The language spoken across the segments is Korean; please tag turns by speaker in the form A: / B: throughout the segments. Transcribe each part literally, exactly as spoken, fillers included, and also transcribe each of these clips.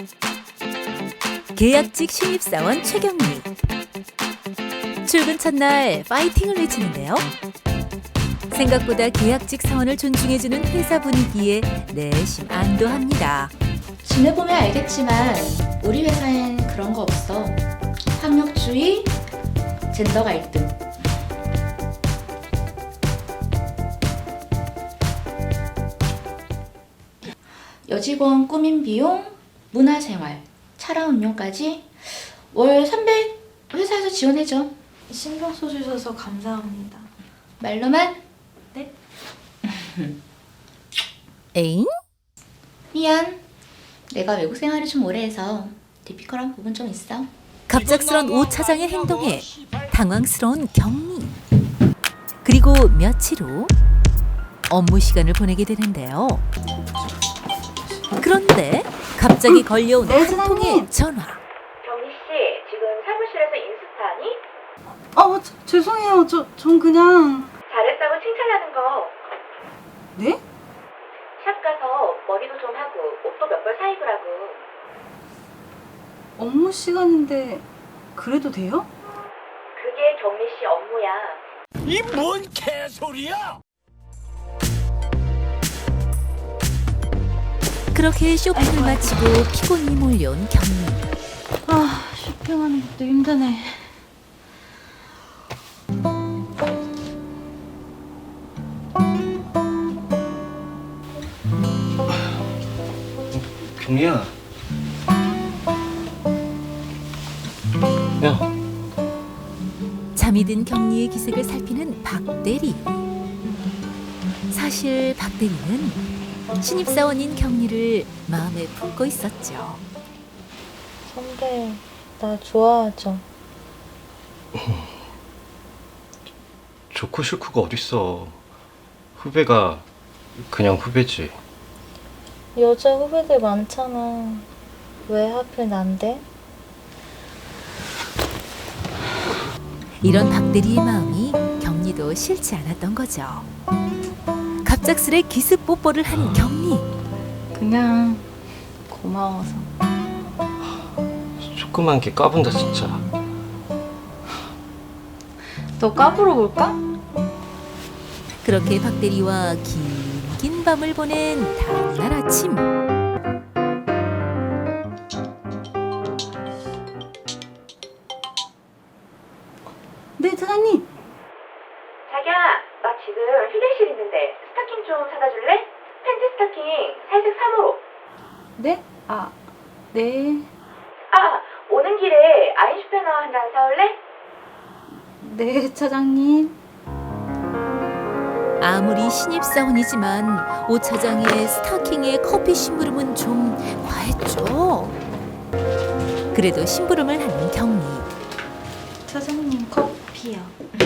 A: 계약직 신입사원 최경미. 출근 첫날 파이팅을 외치는데요. 생각보다 계약직 사원을 존중해주는 회사 분위기에 내심 안도합니다.
B: 지내보면 알겠지만 우리 회사엔 그런 거 없어. 학력주의, 젠더 갈등. 여직원 꾸민 비용, 문화생활, 차량 운용까지 월 삼백 회사에서 지원해줘.
C: 신경 써주셔서 감사합니다.
B: 말로만?
C: 네?
A: 에잉?
B: 미안. 내가 외국 생활을 좀 오래 해서 디피컬한 부분 좀 있어.
A: 갑작스런 오 차장의 행동에 당황스러운 경미. 그리고 며칠 후 업무 시간을 보내게 되는데요. 그런데 갑자기 걸려온
C: 네,
A: 한
C: 사장님.
A: 통의 전화.
B: 경미 씨, 지금 사무실에서 인스타니?
C: 아, 어, 저, 죄송해요. 저, 전 그냥...
B: 잘했다고 칭찬하는 거.
C: 네?
B: 샵 가서 머리도 좀 하고 옷도 몇 벌 사입으라고.
C: 업무 시간인데 그래도 돼요?
B: 그게 경미 씨 업무야.
D: 이 뭔 개소리야!
A: 그렇게 쇼핑을 마치고 피곤이 몰려온 경미.
C: 아, 쇼핑하는 것도 힘드네.
E: 경미야. 야,
A: 잠이 든 경리의 기색을 살피는 박대리. 사실 박대리는 신입사원인 경리를 마음에 품고 있었죠.
F: 선배, 나 좋아하죠?
E: 좋고 싫고가 어딨어. 후배가 그냥 후배지.
F: 여자 후배들 많잖아. 왜 하필 난데?
A: 이런 박대리의 마음이 경리도 싫지 않았던 거죠. 갑작스레 기습 뽀뽀를 한 경리.
C: 그냥 고마워서.
E: 조그만 게 까분다 진짜.
C: 너 까불어 볼까?
A: 그렇게 박대리와 긴긴 밤을 보낸 다음날 아침.
C: 네, 사장님.
B: 자기야, 나 지금 휴게실 있는데 스타킹 좀 사다 줄래? 팬티 스타킹 살색 삼 호로.
C: 네? 아, 네.
B: 아, 오는 길에 아인슈페너 한 잔 사올래?
C: 네, 차장님.
A: 아무리 신입사원이지만 오 차장의 스타킹에 커피 심부름은 좀 과했죠. 그래도 심부름을 하는 경리.
C: 차장님 커피요.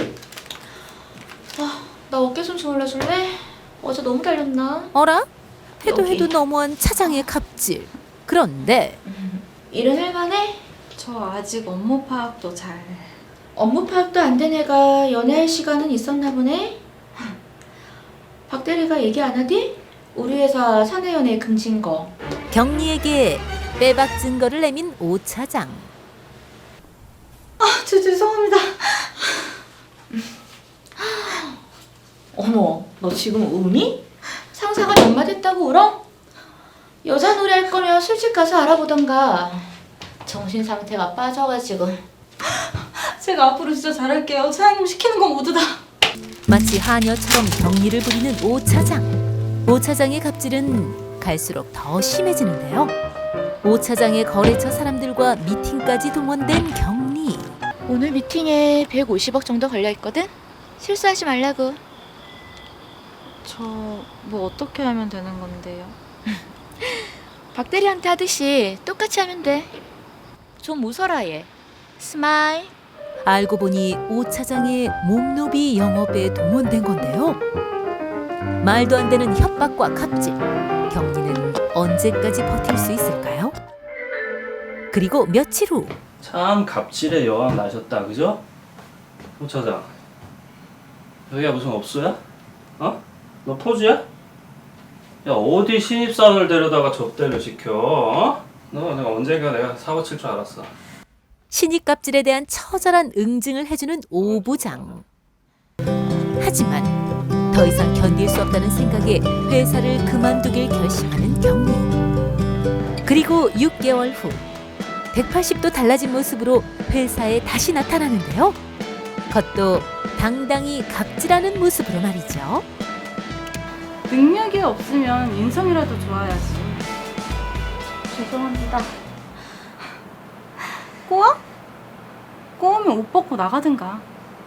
B: 아, 나 어깨 좀 주물러줄래? 어제 너무 달렸나?
A: 어라? 해도
B: 여기.
A: 해도 너무한 차장의 갑질. 그런데
B: 일은 할만해?
C: 저 아직 업무 파악도 잘...
B: 업무 파악도 안 된 애가 연애할 시간은 있었나 보네? 박 대리가 얘기 안 하디? 우리 회사 사내 연애 금지인 거.
A: 경리에게 빼박 증거를 내민 오 차장.
C: 아, 저 죄송합니다.
B: 어머, 너 지금 우니? 상사가 연마됐다고 울어? 여자 놀이 할 거면 술집 가서 알아보던가. 정신 상태가 빠져가지고.
C: 제가 앞으로 진짜 잘할게요. 차장님 시키는 건 모두 다.
A: 마치 하녀처럼 경리를 부리는 오 차장. 오 차장의 갑질은 갈수록 더 심해지는데요. 오 차장의 거래처 사람들과 미팅까지 동원된 경리.
B: 오늘 미팅에 백오십억 정도 걸려있거든? 실수하지 말라고.
C: 저 뭐 어떻게 하면 되는 건데요?
B: 박 대리한테 하듯이 똑같이 하면 돼. 좀 웃어라 얘. 스마일.
A: 알고 보니 오 차장의 몸노비 영업에 동원된 건데요. 말도 안 되는 협박과 갑질. 경리는 언제까지 버틸 수 있을까요? 그리고 며칠 후
G: 참 갑질의 여왕 나셨다, 그죠? 호 차장, 여기가 무슨 업소야? 어? 너 포주야? 야, 어디 신입사원을 데려다가 접대를 시켜? 어? 너 내가 언젠가 내가 사고 칠 줄 알았어.
A: 신입 갑질에 대한 처절한 응징을 해주는 오 부장. 하지만 더 이상 견딜 수 없다는 생각에 회사를 그만두길 결심하는 경리. 그리고 육 개월 후 백팔십 도 달라진 모습으로 회사에 다시 나타나는데요. 그것도 당당히 갑질하는 모습으로 말이죠.
C: 능력이 없으면 인성이라도 좋아야지.
F: 죄송합니다.
C: 꼬아? 꼬우면 옷 벗고 나가든가.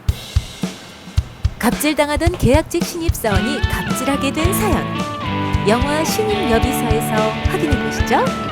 A: 갑질당하던 계약직 신입사원이 갑질하게 된 사연. 영화 신입 여비서에서 확인해 보시죠.